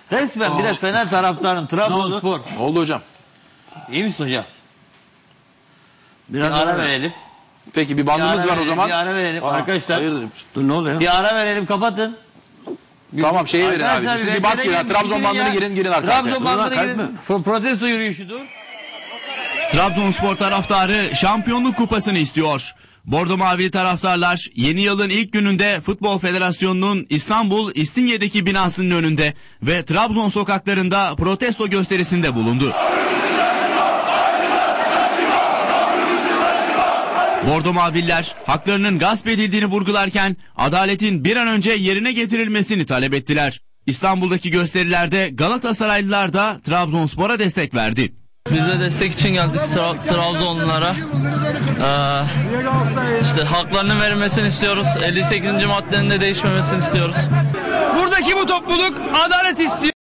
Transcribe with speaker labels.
Speaker 1: Resmen biraz Fener taraftarım. Trabzonspor.
Speaker 2: Ne oldu hocam?
Speaker 1: İyi misin hocam?
Speaker 3: Biraz
Speaker 1: Bir ara verelim.
Speaker 2: Peki bir bandımız var o zaman.
Speaker 1: Bir ara verelim arkadaşlar.
Speaker 2: Hayırdır?
Speaker 3: Dur ne oluyor?
Speaker 1: Bir ara verelim, kapatın.
Speaker 2: Tamam şeyi verin
Speaker 1: Arkadaşlar,
Speaker 2: abi. Siz bir
Speaker 1: bekleyin,
Speaker 2: bak girin. Trabzon bandını girin arka arkaya.
Speaker 1: Trabzon bandını
Speaker 3: Kalp
Speaker 1: girin.
Speaker 3: mi?
Speaker 1: Protesto yürüyüşüdür.
Speaker 4: Trabzonspor taraftarı şampiyonluk kupasını istiyor. Bordo Mavili taraftarlar yeni yılın ilk gününde Futbol Federasyonu'nun İstanbul İstinye'deki binasının önünde ve Trabzon sokaklarında protesto gösterisinde bulundu. Bordo Maviller haklarının gasp edildiğini vurgularken adaletin bir an önce yerine getirilmesini talep ettiler. İstanbul'daki gösterilerde Galatasaraylılar da Trabzonspor'a destek verdi.
Speaker 5: Biz de destek için geldik Trabzonlulara. İşte haklarının verilmesini istiyoruz. 58. maddenin de değişmemesini istiyoruz.
Speaker 6: Buradaki bu topluluk adalet istiyor.